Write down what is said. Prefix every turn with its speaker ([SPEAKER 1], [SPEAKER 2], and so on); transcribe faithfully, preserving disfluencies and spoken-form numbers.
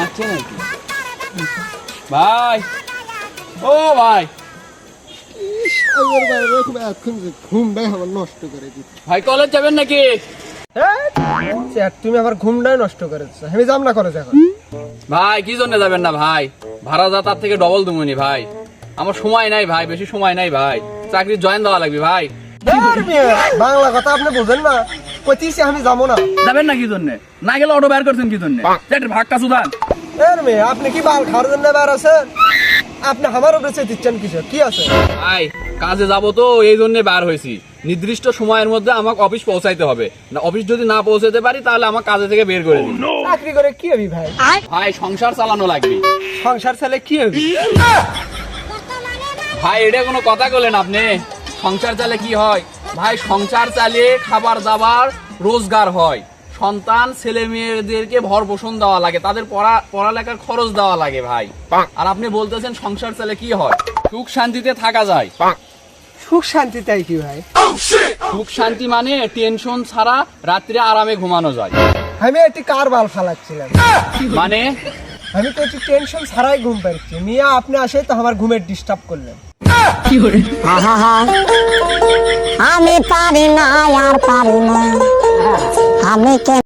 [SPEAKER 1] ঘুমাচ্ছে নাকি ভাই? ও ভাই,
[SPEAKER 2] ঘুমটাই আমার নষ্ট করে দিচ্ছে।
[SPEAKER 1] ভাই কলেজ যাবেন নাকি?
[SPEAKER 2] তুমি আমার ঘুমটাই নষ্ট করেছো, আমি যাম না কলেজ এখন।
[SPEAKER 1] ভাই কি জন্য যাবেন না ভাই? ভাড়া যা তার থেকে ডবল দুমুনি ভাই। আমার সময় নাই ভাই, বেশি সময় নাই ভাই, চাকরি জয়েন দেওয়া লাগবে ভাই।
[SPEAKER 2] বাংলা কথা আপনি বুঝেন না, কইতেছি আমি যাবো না।
[SPEAKER 1] যাবেন না কি জন্য? না গেলে অটো বের করছেন কি জন্য? ভাগটা সুদান।
[SPEAKER 2] এর মেয়ে আপনি কি বাল খাওয়ার জন্য বের আছেন? আপনি আমার উপরে চেয়ে দিচ্ছেন কিছু কি আছে?
[SPEAKER 1] ভাই কাজে যাব তো এই জন্য বার হয়েছি। নির্দিষ্ট সময়ের মধ্যে আমাকে অফিস পৌঁছাইতে হবে, না অফিস যদি না পৌঁছাতে পারি তাহলে আমার কাজে থেকে বের করে দিন।
[SPEAKER 2] চাকরি করে কি হবি ভাই?
[SPEAKER 1] ভাই সংসার চালানো লাগবে।
[SPEAKER 2] সংসার চালে কি হবি?
[SPEAKER 1] ভাই এটা কোনো কথা বলেন আপনি? সংসার চালে কি হয় ভাই? সংসার চালিয়ে খাবার দাবার রোজগার হয়, সন্তান ছেলে মেয়েদেরকে ভর পোষণ দেওয়া লাগে, তাদের পড়া পড়ালেখার খরচ দেওয়া লাগে ভাই। আর আপনি বলতেছেন সংসার চালে কি হয়? সুখ শান্তিতে থাকা যায়।
[SPEAKER 2] সুখ শান্তি তাই কি ভাই?
[SPEAKER 1] সুখ শান্তি মানে টেনশন ছাড়া রাত্রে আরামে ঘুমানো যায়।
[SPEAKER 2] আমি একটি কার বাল ফালাচ্ছিলাম,
[SPEAKER 1] মানে
[SPEAKER 2] আমি তো একটু টেনশন ছাড়াই ঘুম পাচ্ছি। মিয়া আপনি আসে তো আমার ঘুমের ডিস্টার্ব করলেন।
[SPEAKER 3] আমি পারি না আর পারি না আমি